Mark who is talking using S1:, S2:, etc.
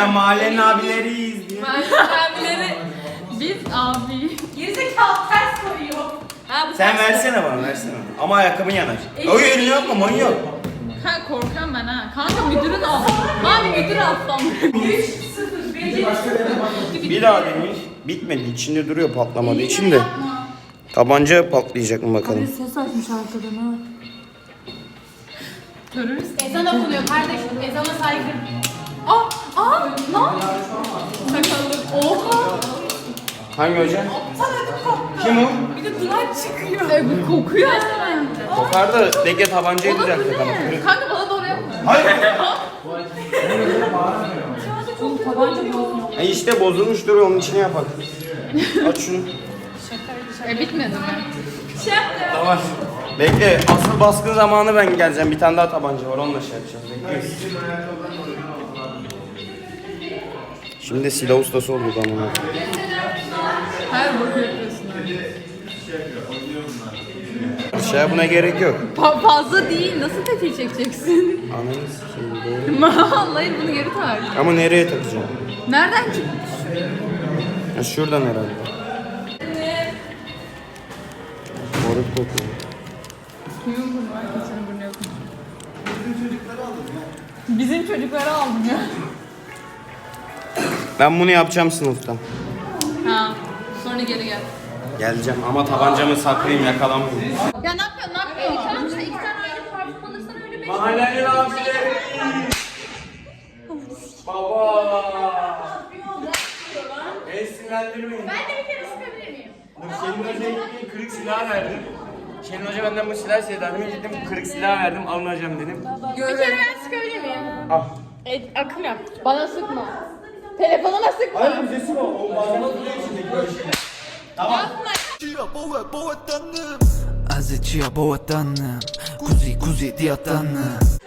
S1: mahallenin abileriyiz diye.
S2: Abileri. Biz abi.
S3: Gerizekalı ters koyuyor.
S2: Ha, bu
S1: Sen
S2: ters-
S1: versene bana versene. Ama ayakkabın yanar. O elini yapma manyak.
S2: Ha, korkuyorum ben ha. Kanka müdürün al. Abi müdür alttan.
S3: 3-0.
S1: Bir daha demiş. Bitmedi. İçinde duruyor patlamadığı için de. Tabanca patlayacak mı bakalım.
S4: Ses açmış arkadan ha.
S2: Terörist.
S3: Ezan okunuyor kardeşim. Ezana saygı.
S2: Lan. Sakallı. Oha.
S1: Hangi hoca? Kim o?
S2: Bir de duvar çıkıyor. Bu kokuyor hemen.
S1: Kokar da Dege tabancayı düzelttik ama.
S2: Kanka bana doğru yapma.
S1: Hayır.
S4: Tabanca bozmuyor.
S1: İşte bozulmuş duruyor onun içine yapak. Aç şunu.
S2: Bitmedi mi?
S1: Tamam. Bekle asıl baskın zamanı ben geleceğim. Bir tane daha tabanca var onunla şey yapacağız. Bekliyoruz. Şimdi de silah ustası olduk ama.
S2: Her boku yapıyorsun.
S1: Şey buna gerek yok.
S2: Fazla değil. Nasıl tetiği çekeceksin?
S1: Ananı sikeyim doğru.
S2: Vallahi bunu geri tak.
S1: Ama nereye takacağım?
S2: Nereden çıktı?
S1: Ya şuradan herhalde. Moruk kokuyor.
S2: Kimin burnu var? Kimsenin burnu yok. Bizim çocukları aldım ya.
S1: Ben bunu yapacağım sınıfta.
S2: Ha. Sonra geri gel.
S1: Geleceğim ama tabancamı saklayayım yakalamayayım.
S2: Ya ne yapıyorsun? Ne yapıyorsun? Tamam işte 2 tane ayrı parfüm alırsan öyle 5.
S1: Mahallenin abileri. Baba. Beni sinirlendirmeyin.
S3: Ben de bir kere sıkabilir miyim?
S1: Şenol Hoca'ya gittim kırık silah verdim. Şenol Hoca benden bu silah istedi. Adamı gittim kırık silah verdim almayacağım dedim.
S3: Bir kere ben sıkabilir miyim?
S1: Al.
S3: Akım yap.
S2: Bana sıkma. Telefonuma sıkma.
S1: Hayır bu sesi var. O malzeme duruyor içindeki böyle şey. Tamam.
S5: Azıcıya boğatanım Kuzi kuzi diyatanım